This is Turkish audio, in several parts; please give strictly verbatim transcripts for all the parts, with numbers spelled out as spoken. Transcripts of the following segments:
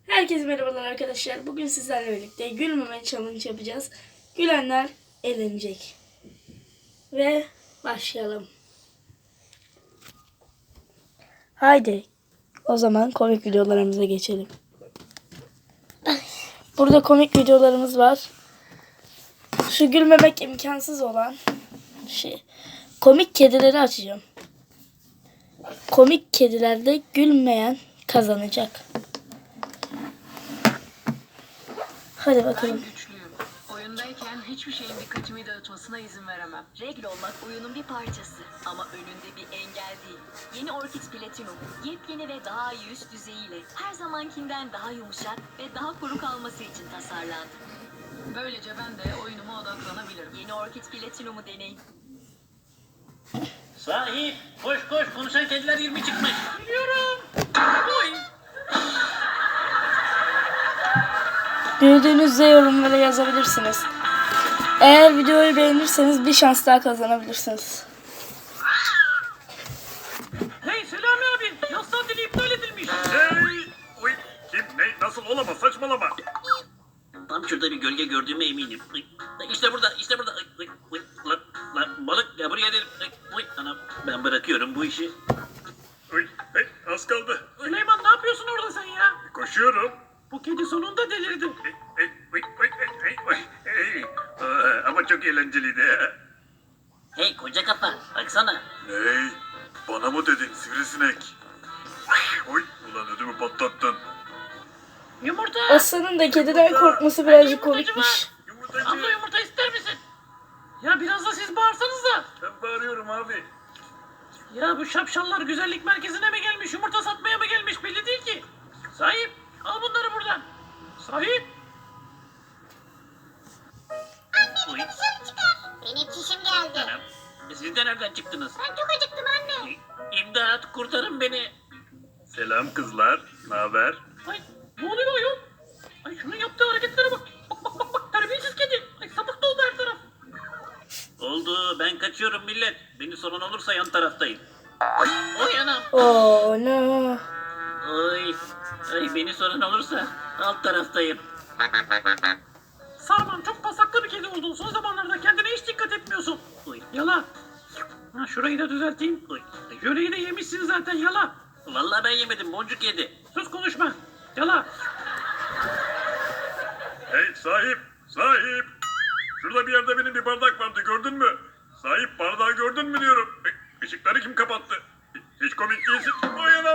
Herkese merhabalar arkadaşlar. Bugün sizlerle birlikte gülmeme challenge yapacağız. Gülenler eğlenecek. Ve başlayalım. Haydi. O zaman komik videolarımıza geçelim. Burada komik videolarımız var. Şu gülmemek imkansız olan şey. Komik kedileri açacağım. Komik kedilerde gülmeyen kazanacak. Hadi bakalım. Ben güçlüyüm. Oyundayken hiçbir şeyin dikkatimi dağıtmasına izin veremem. Regl olmak oyunun bir parçası ama önünde bir engel değil. Yeni Orchid Platinum, yepyeni ve daha iyi üst düzeyiyle her zamankinden daha yumuşak ve daha kuru kalması için tasarlandı. Böylece ben de oyunuma odaklanabilirim. Yeni Orchid Platinum'u deneyin. Sahip, koş koş, konuşan kediler yirmi çıkmış. Biliyorum. Oy. Gördüğünüzde yorumlara yazabilirsiniz. Eğer videoyu beğenirseniz bir şans daha kazanabilirsiniz. Hey Selami abi, yaz tatili iptal edilmiş. Hey! Uy! Kim? Ne? Nasıl olamaz? Saçmalama. Tam şurada bir gölge gördüğüme eminim. Ay, İşte burada, işte burada. Ay, ay, ay, Lan, lan, balık ya buraya dedim. Ay, ay, anam, ben bırakıyorum bu işi. Uy! Hey! Az kaldı. Süleyman ne yapıyorsun orada sen ya? Koşuyorum. Bu kedi sonunda delirdi. Hey! Hey! Uy! Uy! Hey! Hey! Hey! Hey! Aa, ama çok eğlenceliydi. Hey koca kafa, baksana. Ney? Bana mı dedin sivrisinek? Uy! Ulan ödümü patlattın. Yumurta. Aslanın da kediden korkması birazcık komikmiş. Yumurtacı. Abla yumurta ister misin? Ya biraz da siz bağırsanız da. Ben bağırıyorum abi. Ya bu şapşallar güzellik merkezine mi gelmiş, yumurta satmaya mı gelmiş belli değil ki. Sahip, al bunları buradan. Sahip. Uy, Benim çişim geldi. anam, siz de nereden çıktınız? Ben çok acıktım anne. Ay, İmdat, kurtarın beni. Selam kızlar. Ne haber? Ay ne oluyor ayol? Ay şunun yaptığı hareketlere bak. Bak bak bak bak terbiyesiz kedi. Ay sapık doldu her taraf. Oldu, ben kaçıyorum millet. Beni sorun olursa yan taraftayım. Oy anam. Oh no. Oy, ay beni sorun olursa alt taraftayım. Sarman çok pasaklı bir kedi oldun. Son zamanlarda kendine hiç dikkat etmiyorsun. Oy, Yala. Ha, şurayı da düzelteyim. oy. Jöleyi de yemişsin zaten yala. Vallahi ben yemedim, boncuk yedi. Sus konuşma. Yala. Hey sahip! Sahip! Şurada bir yerde benim bir bardak vardı gördün mü? Sahip bardağı gördün mü diyorum. Hey, ışıkları kim kapattı? Hiç komik değilsin. Oy anam!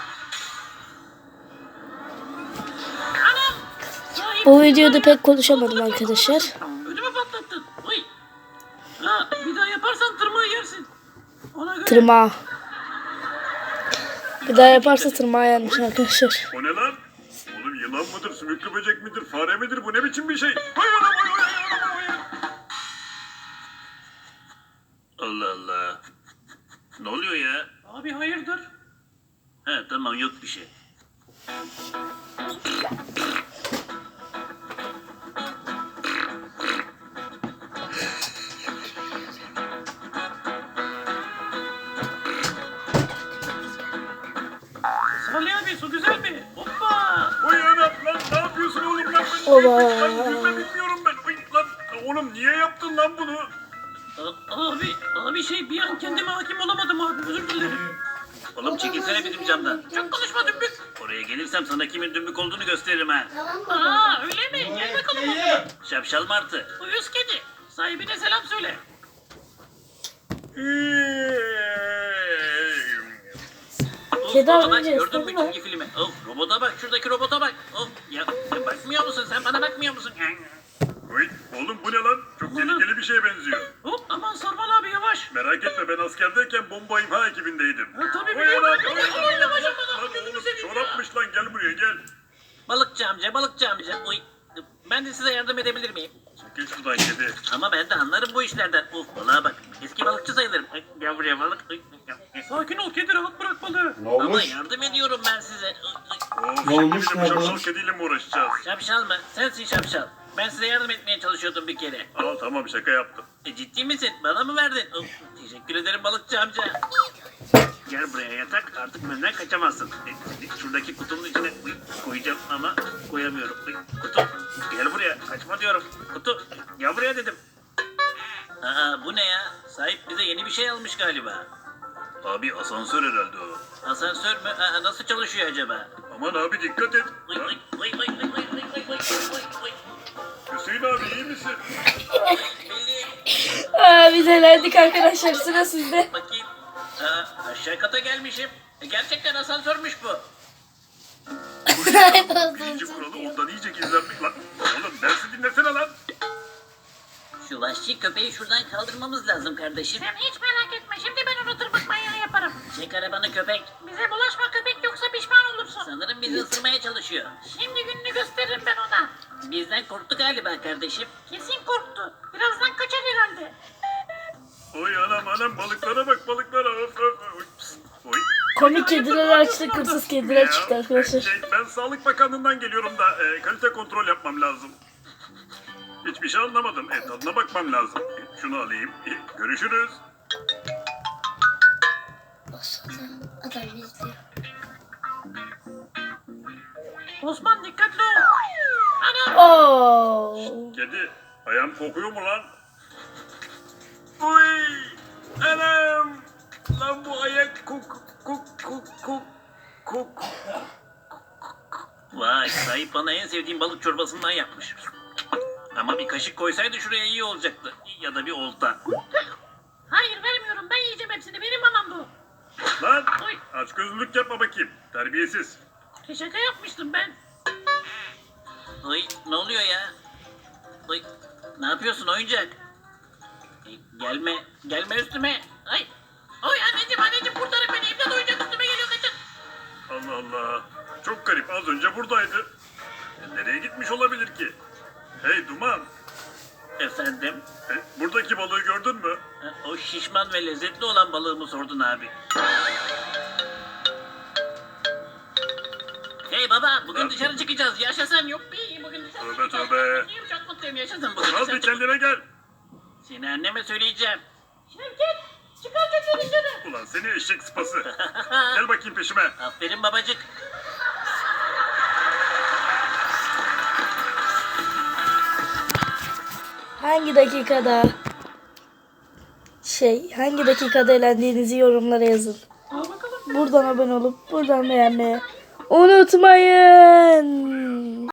Anam. Sahip. Bu videoda pek konuşamadım arkadaşlar. Ödümü patlattın. Oy. Ha, bir daha yaparsan tırmığı yersin. Ona göre. Tırmağı. Bir daha yaparsa tırmağı yenmiş arkadaşlar. O ne lan? Oğlum yılan mıdır, sümüklü böcek midir, fare midir? Bu ne biçim bir şey? Oy anam oy oy oy anam oy. Allah Allah. Ne oluyor ya? Abi hayırdır? He tamam yok bir şey. Salih abi su güzel mi? Hoppa. Oy anam lan ne yapıyorsun oğlum lan? Ben Oba. Lan yüzme bilmiyorum ben. Oy lan oğlum niye yaptın lan bunu? A- abi, abi şey bir an kendime hakim olamadım abi özür dilerim. Oğlum çekilsene bizim camdan. Çok konuşma dümbük. Oraya gelirsem sana kimin dümbük olduğunu gösteririm ha. Aa öyle mi? Gel bakalım o zaman. Şapşal martı. Uyuz kedi. Sahibine selam söyle. Of, Kedi robota bak, alınca gördün mü istedi mi? çizgi filmi? Of robota bak şuradaki robota bak. Of ya, ya bakmıyor musun sen bana bakmıyor musun? Oy oğlum bu ne lan? Çok tehlikeli bir şeye benziyor. Hop aman Sarman abi yavaş. Merak etme ben askerdeyken bomba imha ekibindeydim. Ha, tabii Oy biliyorum. anam, Aman oy aman anam, yavaş lan aman gözünü oğlum seveyim ya. çorapmış lan gel buraya gel. Balıkçı amca balıkçı amca. Oy. Ben de size yardım edebilir miyim? Çekil şuradan kedi. Ama ben de anlarım bu işlerden. Of balığa bak. Eski balıkçı sayılırım. Ay, gel buraya balık. Ay, ay. Sakin ol kedi rahat bırak balığı. Ne Ama olmuş? yardım ediyorum ben size. Ay, ay. Of Ne şimdi olmuş, bizim ne şapşal olmuş? kediyle mi uğraşacağız? Şapşal mı? Sensin şapşal. Ben size yardım etmeye çalışıyordum bir kere. Al tamam şaka yaptım. E, ciddi misin? Bana mı verdin? Of, teşekkür ederim balıkçı amca. Gel buraya yatak artık benden kaçamazsın. E, şuradaki kutunun içine uy, koyacağım ama atlayamıyorum. Ay, Kutu gel buraya. Kaçma diyorum. Kutu gel buraya dedim. Aa bu ne ya? Sahip bize yeni bir şey almış galiba. Abi asansör herhalde o. Asansör mü? Aa, nasıl çalışıyor acaba? Aman abi dikkat et. Ay, Ha? ay, ay, ay, ay, ay, ay, ay, ay, ay, ay. Hüseyin abi iyi misin? Belli. Aa, biz elendik arkadaşlar, sıra sizde. Bakayım. Aa, aşağı kata gelmişim. E, gerçekten asansörmüş bu. Birinci kuralı ondan iyice gizlenmek lan. Oğlum dersi dinlesene lan. Şu vahşi köpeği şuradan kaldırmamız lazım kardeşim. Sen hiç merak etme. Şimdi ben onu tırmık manyağı yaparım. Çek arabanı köpek. Bize bulaşma köpek yoksa pişman olursun. Sanırım bizi ısırmaya çalışıyor. Şimdi gününü gösteririm ben ona. Bizden korktu galiba kardeşim. Kesin korktu. Birazdan kaçar herhalde. Oy anam anam balıklara bak balıklara. Of, of, oy. Oy. Komik kediler açtı, kırsız kediler çıktı Ya, arkadaşlar. şey, ben Sağlık Bakanlığı'ndan geliyorum da e, kalite kontrol yapmam lazım. Hiçbir şey anlamadım. E, tadına bakmam lazım. E, şunu alayım. E, görüşürüz. Adam izliyor. Osman dikkatli ol. Anam. Oo. Kedi ayağım kokuyor mu lan? Oy anam. Lan bu ayak kok kok kok kok kok. Vay sahip bana en sevdiğim balık çorbasından yapmış. Ama bir kaşık koysaydı şuraya iyi olacaktı. Ya da bir olta. Hayır vermiyorum. Ben yiyeceğim hepsini. Benim mamam bu. Lan Oy. aç gözlülük yapma bakayım. Terbiyesiz. Şaka yapmıştım ben. Oy ne oluyor ya? Oy ne yapıyorsun oyuncak? Ay, gelme gelme üstüme. Ay. Oy anneciğim anneciğim kurtarın beni. İmdat oyuncak üstüme geliyor kaçın. Allah Allah. Çok garip. Az önce buradaydı. E, nereye gitmiş olabilir ki? Hey Duman. Efendim? e, buradaki balığı gördün mü? Ha, o şişman ve lezzetli olan balığımı sordun abi. Hey baba bugün Ha? dışarı çıkacağız. Yaşasın yok bir bugün dışarı Tövbe, çıkacağız. tövbe. Çok mutluyum yaşasın bugün Al dışarı bir çıkacağız. kendine gel. Seni anneme söyleyeceğim. Şevket. Çıkar çocuğun canı. Ulan seni eşek sıpası. Gel bakayım peşime. Aferin babacık. Hangi dakikada şey, hangi dakikada eğlendiğinizi yorumlara yazın. Al bakalım. Buradan abone olup buradan beğenmeyi unutmayın.